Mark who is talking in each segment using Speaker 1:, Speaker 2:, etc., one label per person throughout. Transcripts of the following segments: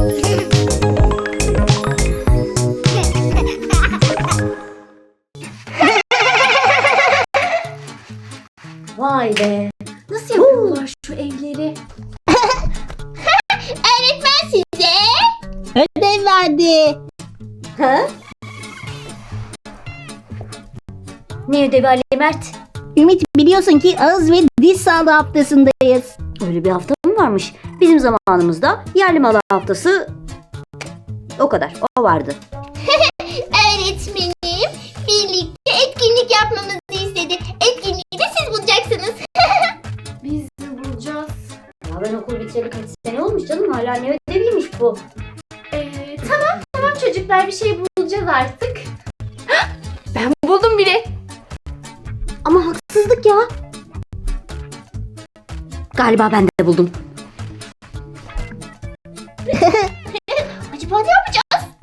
Speaker 1: Vay be. Nasıl yapıyorlar şu evleri?
Speaker 2: Öğretmen size
Speaker 3: Ödev verdi.
Speaker 1: Ha? Ne ödevi Ali Mert?
Speaker 3: Ümit, biliyorsun ki ağız ve diş sağlığı haftasındayız.
Speaker 1: Öyle bir hafta mı varmış? Bizim zamanımızda yerli malı haftası o kadar. O vardı.
Speaker 2: öğretmenim birlikte etkinlik yapmamızı istedi. Etkinliği de siz bulacaksınız.
Speaker 1: Biz de bulacağız. Ya ben okul bitireli kaç sene olmuş canım. Hala ne ödeviymiş bu?
Speaker 4: Tamam çocuklar, bir şey bulacağız artık. Ben buldum bile.
Speaker 1: Ama haksızlık ya. Galiba ben de buldum.
Speaker 2: Acaba ne yapacağız?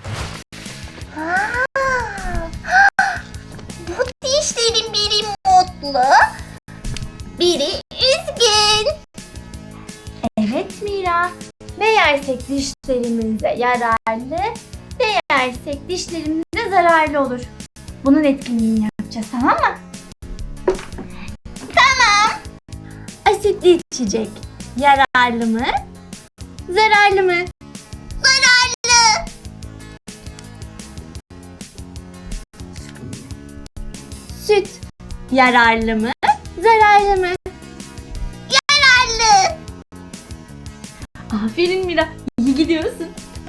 Speaker 2: Bu dişlerin biri mutlu, biri üzgün.
Speaker 4: Evet Mira. Ne yersek dişlerimize yararlı, ne yersek dişlerimize zararlı olur. Bunun etkinliğini yapacağız, tamam mı?
Speaker 2: Tamam.
Speaker 4: Asitli içecek yararlı mı? Zararlı mı?
Speaker 2: Zararlı.
Speaker 4: Süt yararlı mı? Zararlı mı?
Speaker 2: Zararlı.
Speaker 4: Aferin Mira. İyi gidiyorsun.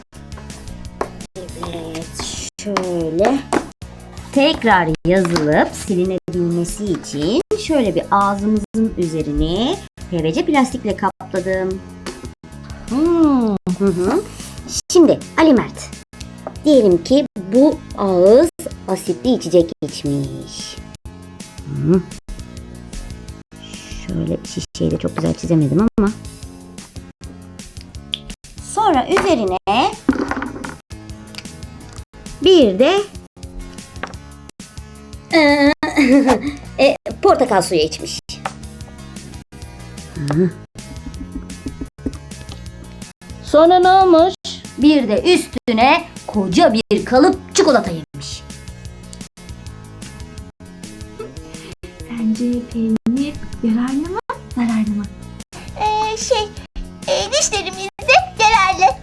Speaker 1: Evet, şöyle tekrar yazılıp silinebilmesi için şöyle bir ağzımızın üzerine PVC plastikle kapladım. Hı hı. Şimdi Ali Mert, diyelim ki bu ağız asitli içecek içmiş. Hı. Şöyle şişeyi de çok güzel çizemedim ama. Sonra üzerine bir de portakal suyu içmiş.
Speaker 3: Sonra ne olmuş?
Speaker 1: Bir de üstüne koca bir kalıp çikolata yemiş.
Speaker 4: Sence peynir yararlı mı? Zararlı mı?
Speaker 2: Dişlerimize yararlı.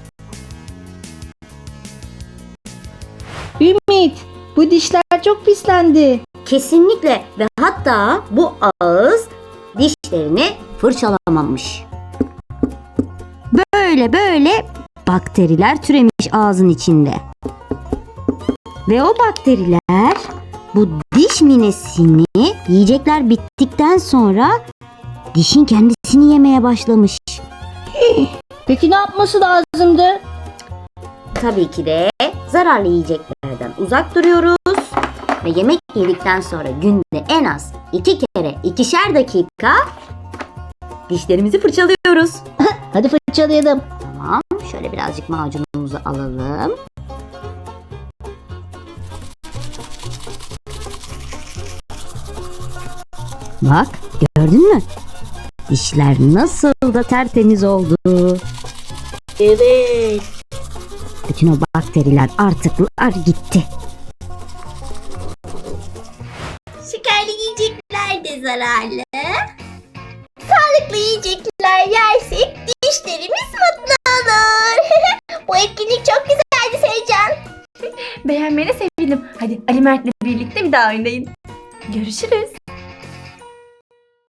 Speaker 3: Ümit, bu dişler çok pislendi.
Speaker 1: Kesinlikle ve hatta bu ağız dişlerini fırçalamamış. Böyle bakteriler türemiş ağzın içinde. Ve o bakteriler bu diş minesini yiyecekler bittikten sonra dişin kendisini yemeye başlamış.
Speaker 3: Peki ne yapması lazımdı?
Speaker 1: Tabii ki de zararlı yiyeceklerden uzak duruyoruz. Ve yemek yedikten sonra günde en az 2 kere 2'şer dakika dişlerimizi fırçalıyoruz.
Speaker 3: Hadi fırçalayalım.
Speaker 1: Tamam, şöyle birazcık macunumuzu alalım. Bak, gördün mü? Dişler nasıl da tertemiz oldu.
Speaker 3: Evet.
Speaker 1: Bütün o bakteriler, artıklar gitti.
Speaker 2: Şekerli yiyecekler de zararlı. Sağlıklı yiyecekler yersek dişlerimiz mutlu olur. Bu etkinlik çok güzeldi Sevcan.
Speaker 4: Beğenmene sevindim. Hadi Ali Mert'le birlikte bir daha oynayın. Görüşürüz.